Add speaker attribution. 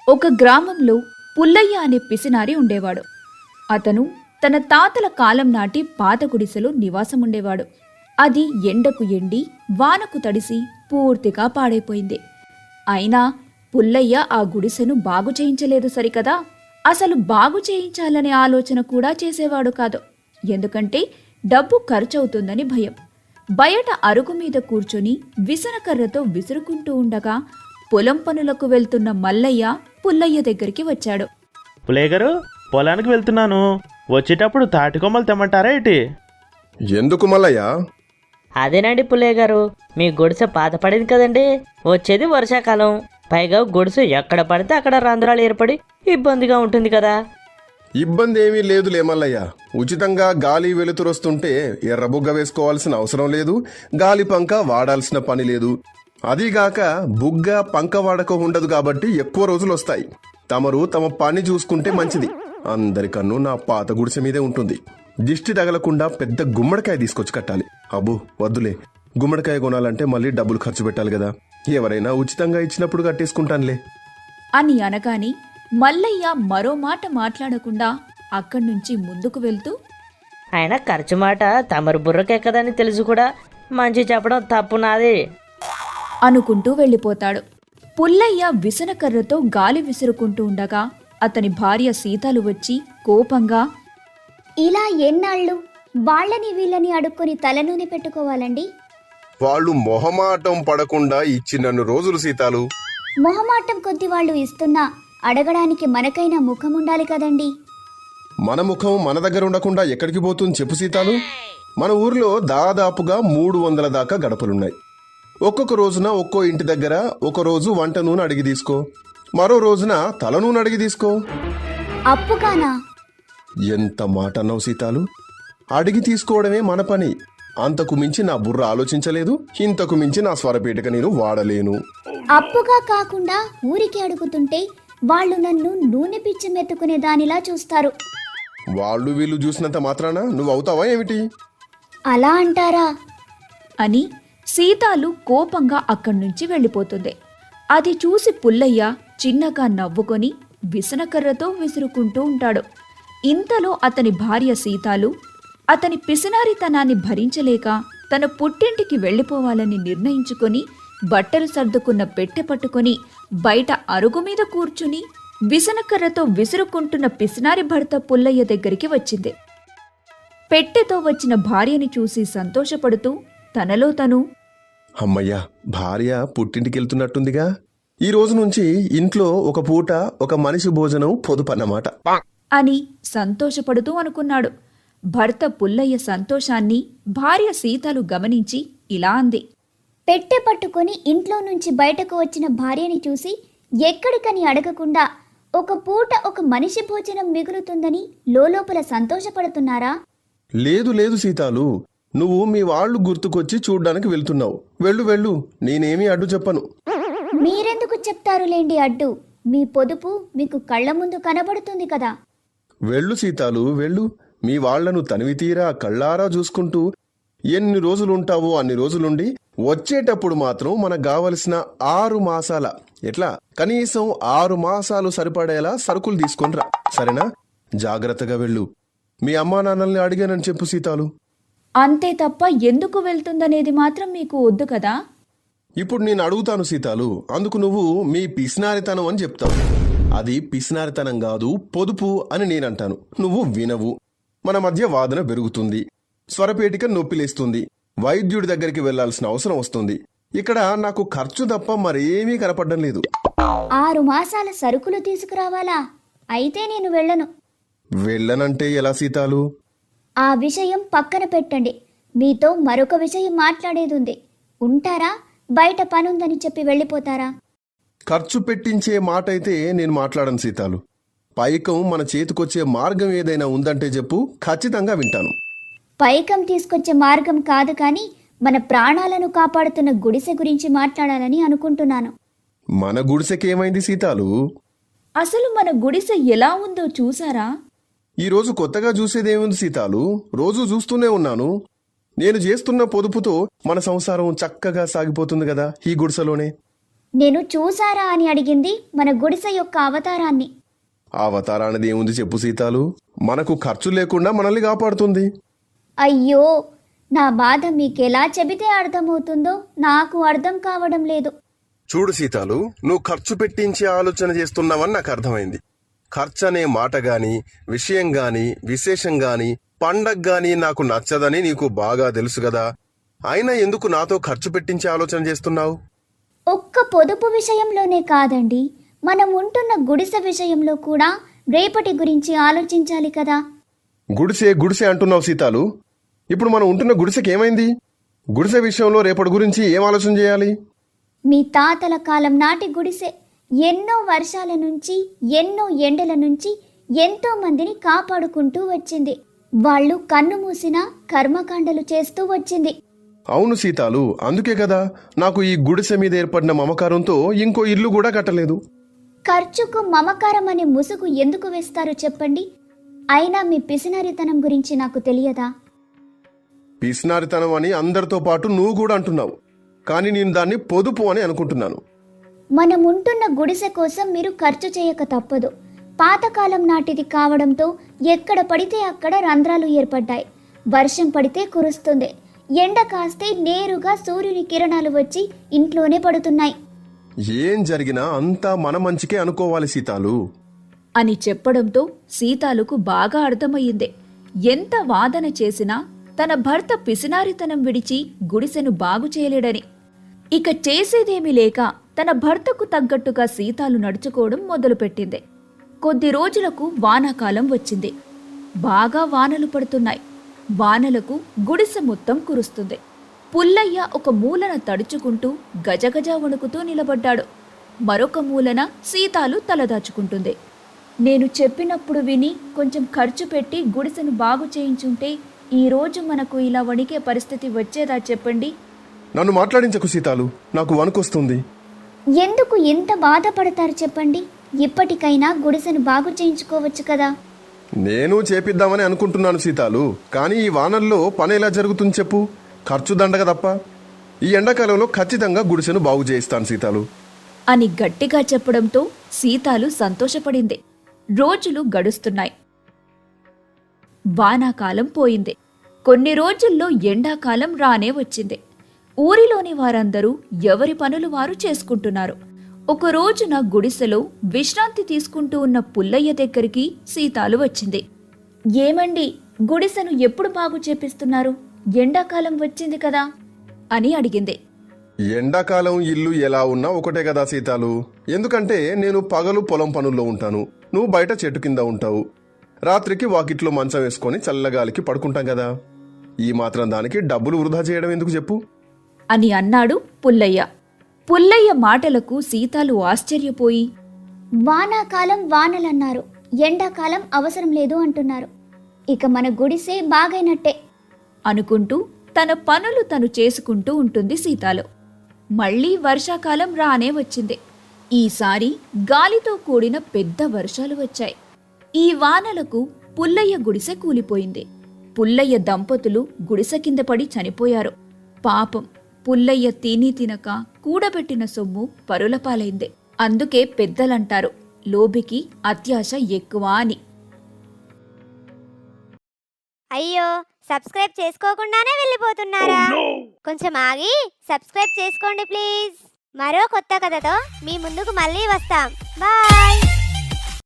Speaker 1: ఒక గ్రామంలో పుల్లయ్య అనే పిసినారి ఉండేవాడు. అతను తన తాతల కాలం నాటి పాత గుడిసెలో నివాసముండేవాడు. అది ఎండకు ఎండి వానకు తడిసి పూర్తిగా పాడైపోయింది. అయినా పుల్లయ్య ఆ గుడిసెను బాగు చేయించలేదు సరికదా, అసలు బాగు చేయించాలనే ఆలోచన కూడా చేసేవాడు కాదు. ఎందుకంటే డబ్బు ఖర్చవుతుందని భయం. బయట అరుగు మీద కూర్చొని విసనకర్రతో విసురుకుంటూ ఉండగా పొలం పనులకు వెళ్తున్న మల్లయ్య పుల్లయ్య దగ్గరికి వచ్చాడు.
Speaker 2: పుల్లయ్య గారు, పొలానికి వెళ్తున్నాను. వచ్చేటప్పుడు తాటికొమ్మలు తెమ్మంటారా ఏంటి?
Speaker 3: ఎందుకు మల్లయ్య?
Speaker 4: అదేనండి పుల్లయ్య గారు, మీ గుడిసె పాత పడింది కదండి. వచ్చేది వర్షాకాలం, పైగా గుడిసె ఎక్కడ పడితే అక్కడ రంధ్రాలు ఏర్పడి ఇబ్బందిగా ఉంటుంది కదా.
Speaker 3: ఇబ్బంది ఏమీ లేదులే మల్లయ్య. ఉచితంగా గాలి వెలుతురొస్తుంటే ఎర్రబుగ్గ వేసుకోవాల్సిన అవసరం లేదు, గాలి పంక వాడాల్సిన పని లేదు. అదీగాక బుగ్గ పంక వాడకం ఉండదు కాబట్టి ఎక్కువ రోజులు వస్తాయి. తమరు తమ పని చూసుకుంటే మంచిది. అందరికన్ను నా పాత గుడిసె మీదే ఉంటుంది. దిష్టి తగలకుండా పెద్ద గుమ్మడికాయ తీసుకొచ్చి కట్టాలి. అబ్బో వద్దులే, గుమ్మడికాయ కొనాలంటే మళ్ళీ డబ్బులు ఖర్చు పెట్టాలి కదా. ఎవరైనా ఉచితంగా ఇచ్చినప్పుడు కట్టేసుకుంటానులే
Speaker 1: అని అనగాని మల్లయ్య మరో మాట మాట్లాడకుండా అక్కడ్నుంచి ముందుకు వెళ్తూ,
Speaker 4: ఆయన ఖర్చు మాట తమరు బుర్రకెక్కదని తెలుసు కూడా మంచి చెప్పడం తప్పు నాది
Speaker 1: అనుకుంటూ వెళ్ళిపోతాడు. పుల్లయ్య విసనకర్రతో గాలి విసురుకుంటూ ఉండగా అతని భార్య సీతాలు వచ్చి కోపంగా,
Speaker 5: ఇలా ఎన్నాళ్ళు వాళ్ళని వీళ్ళని అడుక్కొని తలనూనె పెట్టుకోవాలండి?
Speaker 3: వాళ్ళు మొహమాటం పడకుండా ఇచ్చినన్ను రోజులు సీతాలు.
Speaker 5: మొహమాటం కొద్ది వాళ్ళు ఇస్తున్నా అడగడానికి మనకైనా ముఖం ఉండాలి కదండి.
Speaker 3: మన ముఖం మన దగ్గర ఉండకుండా ఎక్కడికి పోతుంది చెప్పు సీతాలు? మన ఊర్లో దాదాపుగా 300 దాకా గడపలున్నాయి. ఒక్కొక్క రోజున ఒక్కో ఇంటి దగ్గర ఒక రోజు వంట నూనె అడిగి తీసుకో, మరో రోజున తల నూనె అడిగి తీసుకో.
Speaker 5: అప్పుగానా?
Speaker 3: ఎంత మాట అన్నావు సీతాలు. అడిగి తీసుకోవడమే మన పని. అంతకు మించి నా బుర్ర ఆలోచించలేదు, ఇంతకు మించి నా స్వరపేటిక నేను వాడలేను.
Speaker 5: అప్పుగా కాకుండా ఊరికి అడుగుతుంటే వాళ్ళు నన్ను నూనె పిచ్చి మెత్తుకునే దానిలా చూస్తారు.
Speaker 3: వాళ్ళు వీళ్ళు చూసినంత మాత్రాన నువ్వు అవుతావా ఏమిటి?
Speaker 5: అలా అంటారా?
Speaker 1: అని సీతాలు కోపంగా అక్కడ్నుంచి వెళ్ళిపోతుంది. అది చూసి పుల్లయ్య చిన్నగా నవ్వుకొని విసనకర్రతో విసురుకుంటూ ఉంటాడు. ఇంతలో అతని భార్య సీతాలు అతని పిసినారితనాన్ని భరించలేక తన పుట్టింటికి వెళ్ళిపోవాలని నిర్ణయించుకొని బట్టలు సర్దుకున్న పెట్టె పట్టుకొని బయట అరుగు మీద కూర్చుని విసనకర్రతో విసురుకుంటున్న పిసినారి భర్త పుల్లయ్య దగ్గరికి వచ్చింది. పెట్టెతో వచ్చిన భార్యని చూసి సంతోషపడుతూ తనలో తను,
Speaker 3: అమ్మయ్యా, భార్య పుట్టింటికెళ్తున్నట్టుందిగా. ఈ రోజు నుంచి ఇంట్లో ఒక పూట ఒక మనిషి భోజనం పొదుపన్నమాట
Speaker 1: అని సంతోషపడుతూ అనుకున్నాడు. భర్త పుల్లయ్య సంతోషాన్ని భార్య సీతాలు గమనించి ఇలా అంది.
Speaker 5: పెట్టె పట్టుకొని ఇంట్లో నుంచి బయటకు వచ్చిన భార్యని చూసి ఎక్కడికని అడగకుండా ఒక పూట ఒక మనిషి భోజనం మిగులుతుందని లోలోపల సంతోషపడుతున్నారా?
Speaker 3: లేదు లేదు సీతాలు, నువ్వు మీ వాళ్ళు గుర్తుకొచ్చి చూడ్డానికి వెళ్తున్నావు. వెళ్ళు వెళ్ళు, నేనేమీ అడ్డు చెప్పను.
Speaker 5: మీరెందుకు చెప్తారులేండి అడ్డు? మీ పొదుపు మీకు కళ్ళ ముందు కనబడుతుంది కదా.
Speaker 3: వెళ్ళు సీతాలు వెళ్ళు. మీ వాళ్లను తనివి తీరా కళ్ళారా చూసుకుంటూ ఎన్ని రోజులుంటావో అన్ని రోజులుండి వచ్చేటప్పుడు మాత్రం మనకు కావలసిన 6 మాసాల కనీసం 6 మాసాలు సరిపడేలా సరుకులు తీసుకొనిరా, సరేనా? జాగ్రత్తగా వెళ్ళు. మీ అమ్మా నాన్నల్ని అడిగానని చెప్పు సీతాలు.
Speaker 1: అంతే తప్ప ఎందుకు వెళ్తుందనేది మాత్రం మీకు వద్దు కదా.
Speaker 3: ఇప్పుడు నేను అడుగుతాను సీతాలు, అందుకు నువ్వు మీ పిసినారితనం అని చెప్తావు. అది పిసినారితనం కాదు, పొదుపు అని నేనంటాను. నువ్వు వినవు. మన మధ్య వాదన పెరుగుతుంది, స్వరపేటిక నొప్పిలేస్తుంది, వైద్యుడి దగ్గరికి వెళ్లాల్సిన అవసరం వస్తుంది. ఇక్కడ నాకు ఖర్చు తప్ప మరేమీ కనపడడం లేదు.
Speaker 5: 6 మాసాల సరుకులు తీసుకురావాలా? అయితే నేను వెళ్ళను.
Speaker 3: వెళ్ళనంటే ఎలా సీతాలు?
Speaker 5: ఆ విషయం పక్కన పెట్టండి. మీతో మరొక విషయం మాట్లాడేదుంది. ఉంటారా? బయట పనుందని చెప్పి వెళ్ళిపోతారా?
Speaker 3: ఖర్చు పెట్టించే మాట అయితే నేను మాట్లాడను సీతాలు. పైకం మన చేతికొచ్చే మార్గం ఏదైనా ఉందంటే చెప్పు, ఖచ్చితంగా వింటాను.
Speaker 5: పైకం తీసుకొచ్చే మార్గం కాదు కానీ మన ప్రాణాలను కాపాడుతున్న గుడిసె గురించి మాట్లాడాలని అనుకుంటున్నాను.
Speaker 3: మన గుడిసెకేమైంది సీతాలు?
Speaker 1: అసలు మన గుడిసె ఎలా ఉందో చూసారా?
Speaker 3: ఈరోజు కొత్తగా చూసేదేముంది సీతాలు? రోజు చూస్తూనే ఉన్నాను. నేను చేస్తున్న పొదుపుతో మన సంసారం చక్కగా సాగిపోతుంది కదా ఈ గుడిసెలోనే.
Speaker 5: నేను చూసారా అని అడిగింది మన గుడిసె యొక్క అవతారాన్ని.
Speaker 3: అవతారానిది ఏముంది చెప్పు సీతాలు, మనకు ఖర్చు లేకుండా మనల్ని కాపాడుతుంది.
Speaker 5: అయ్యో, నా బాధ మీకెలా చెబితే అర్థమవుతుందో నాకు అర్థం కావడం లేదు.
Speaker 3: చూడు సీతాలు, నువ్వు ఖర్చు పెట్టించే ఆలోచన చేస్తున్నావని నాకు అర్థమైంది. ఖర్చు అనే మాట గాని, విషయం గాని, విశేషం గాని, పండగ గాని నాకు నచ్చదని నీకు బాగా తెలుసు కదా. అయినా ఎందుకు నాతో ఖర్చు పెట్టించే ఆలోచన చేస్తున్నావు?
Speaker 5: ఒక్క పొదుపు విషయంలోనే కాదండి, మనం ఉంటున్న గుడిసె విషయంలో కూడా రేపటి గురించి ఆలోచించాలి కదా.
Speaker 3: గుడిసె గుడిసె అంటున్నావు సీతాలు. ఇప్పుడు మనం ఉంటున్న గుడిసెకి ఏమైంది? గుడిసె విషయంలో రేపటి గురించి ఏం ఆలోచన చేయాలి?
Speaker 5: మీ తాతల కాలం నాటి గుడిసె ఎన్నో వర్షాల నుంచి, ఎన్నో ఎండల నుంచి ఎంతో మందిని కాపాడుకుంటూ వచ్చింది. వాళ్ళు కన్ను మూసినా కర్మకాండలు చేస్తూ వచ్చింది.
Speaker 3: అవును సీతాలు, అందుకే కదా నాకు ఈ గుడిసె మీద ఏర్పడిన మమకారంతో ఇంకో ఇల్లు కూడా కట్టలేదు.
Speaker 5: ఖర్చుకు మమకారం అనే ముసుగు ఎందుకు వేస్తారు చెప్పండి? అయినా మీ పిసినారితనం గురించి నాకు తెలియదా?
Speaker 3: పిసినారితనం అని అందరితో పాటు నువ్వు కూడా అంటున్నావు, కానీ నేను దాన్ని పొదుపు అని అనుకుంటున్నాను.
Speaker 5: మనం ఉంటున్న గుడిసె కోసం మీరు ఖర్చు చేయక తప్పదు. పాతకాలం నాటిది కావడంతో ఎక్కడ పడితే అక్కడ రంధ్రాలు ఏర్పడ్డాయి. వర్షం పడితే కురుస్తుంది, ఎండ కాస్తే నేరుగా సూర్యుని కిరణాలు వచ్చి ఇంట్లోనే పడుతున్నాయి.
Speaker 3: ఏం జరిగినా అంతా మన మంచికే అనుకోవాలి సీతాలు
Speaker 1: అని చెప్పడంతో సీతాలుకు బాగా అర్థమయ్యింది. ఎంత వాదన చేసినా తన భర్త పిసినారితనం విడిచి గుడిసెను బాగు చేయలేడని. ఇక చేసేదేమీ లేక తన భర్తకు తగ్గట్టుగా సీతాలు నడుచుకోవడం మొదలుపెట్టింది. కొద్ది రోజులకు వానాకాలం వచ్చింది. బాగా వానలు పడుతున్నాయి. వానలకు గుడిసె మొత్తం కురుస్తుంది. పుల్లయ్య ఒక మూలన తడుచుకుంటూ గజగజ వణుకుతూ నిలబడ్డాడు. మరొక మూలన సీతాలు తలదాచుకుంటుంది. నేను చెప్పినప్పుడు విని కొంచెం ఖర్చు పెట్టి గుడిసెను బాగు చేయించుంటే ఈరోజు మనకు ఇలా వణికే పరిస్థితి వచ్చేదా చెప్పండి?
Speaker 3: నన్ను మాట్లాడించకు సీతాలు, నాకు వణుకొస్తుంది.
Speaker 5: ఎందుకు ఇంత బాధపడతారు చెప్పండి? ఇప్పటికైనా గుడిసెను బాగు చేయించుకోవచ్చు కదా.
Speaker 3: నేను చేపిద్దామని అనుకుంటున్నాను సీతాలు, కానీ ఈ వానల్లో పని ఎలా జరుగుతుంది చెప్పు? ఖర్చు దండగ తప్ప. ఈ ఎండాకాలంలో ఖచ్చితంగా గుడిసెను బాగు చేయిస్తాను సీతాలు
Speaker 1: అని గట్టిగా చెప్పడంతో సీతాలు సంతోషపడింది. రోజులు గడుస్తున్నాయి. వానాకాలం పోయింది. కొన్ని రోజుల్లో ఎండాకాలం రానే వచ్చింది. ఊరిలోని వారందరూ ఎవరి పనులు వారు చేసుకుంటున్నారు. ఒక రోజున గుడిసెలో విశ్రాంతి తీసుకుంటూ ఉన్న పుల్లయ్య దగ్గరికి సీతాలు వచ్చింది. ఏమండి, గుడిసెను ఎప్పుడు బాగు చేపిస్తున్నారు? ఎండాకాలం వచ్చింది కదా అని అడిగింది.
Speaker 3: ఎండాకాలం ఇల్లు ఎలా ఉన్నా ఒకటే కదా సీతాలు. ఎందుకంటే నేను పగలు పొలం పనుల్లో ఉంటాను, నువ్వు బయట చెట్టు కింద ఉంటావు. రాత్రికి వాకిట్లో మంచం వేసుకొని చల్లగాలికి పడుకుంటాం కదా. ఈ మాత్రం దానికి డబ్బులు వృధా చేయడం ఎందుకు చెప్పు
Speaker 1: అని అన్నాడు పుల్లయ్య. పుల్లయ్య మాటలకు సీతాలు ఆశ్చర్యపోయి,
Speaker 5: వానాకాలం వానలన్నారు, ఎండాకాలం అవసరం లేదు అంటున్నారు. ఇక మన గుడిసే బాగైనట్టే
Speaker 1: అనుకుంటూ తన పనులు తను చేసుకుంటూ ఉంటుంది సీతాలు. మళ్లీ వర్షాకాలం రానే వచ్చింది. ఈసారి గాలితో కూడిన పెద్ద వర్షాలు వచ్చాయి. ఈ వానలకు పుల్లయ్య గుడిసె కూలిపోయింది. పుల్లయ్య దంపతులు గుడిసె కింద పడి చనిపోయారు. పాపం, పుల్లయ్య తినక కూడబెట్టిన సొమ్ము పరులపాలైంది. అందుకే పెద్దలంటారు, లోబికి అత్యాశ ఎక్కువ అని.
Speaker 6: అయ్యో, సబ్స్క్రైబ్ చేసుకోకుండానే వెళ్ళిపోతున్నారా? కొంచెం ఆగి సబ్స్క్రైబ్ చేసుకోండి ప్లీజ్. మరో కొత్త కథతో మీ ముందుకు మళ్ళీ వస్తాం. బాయ్.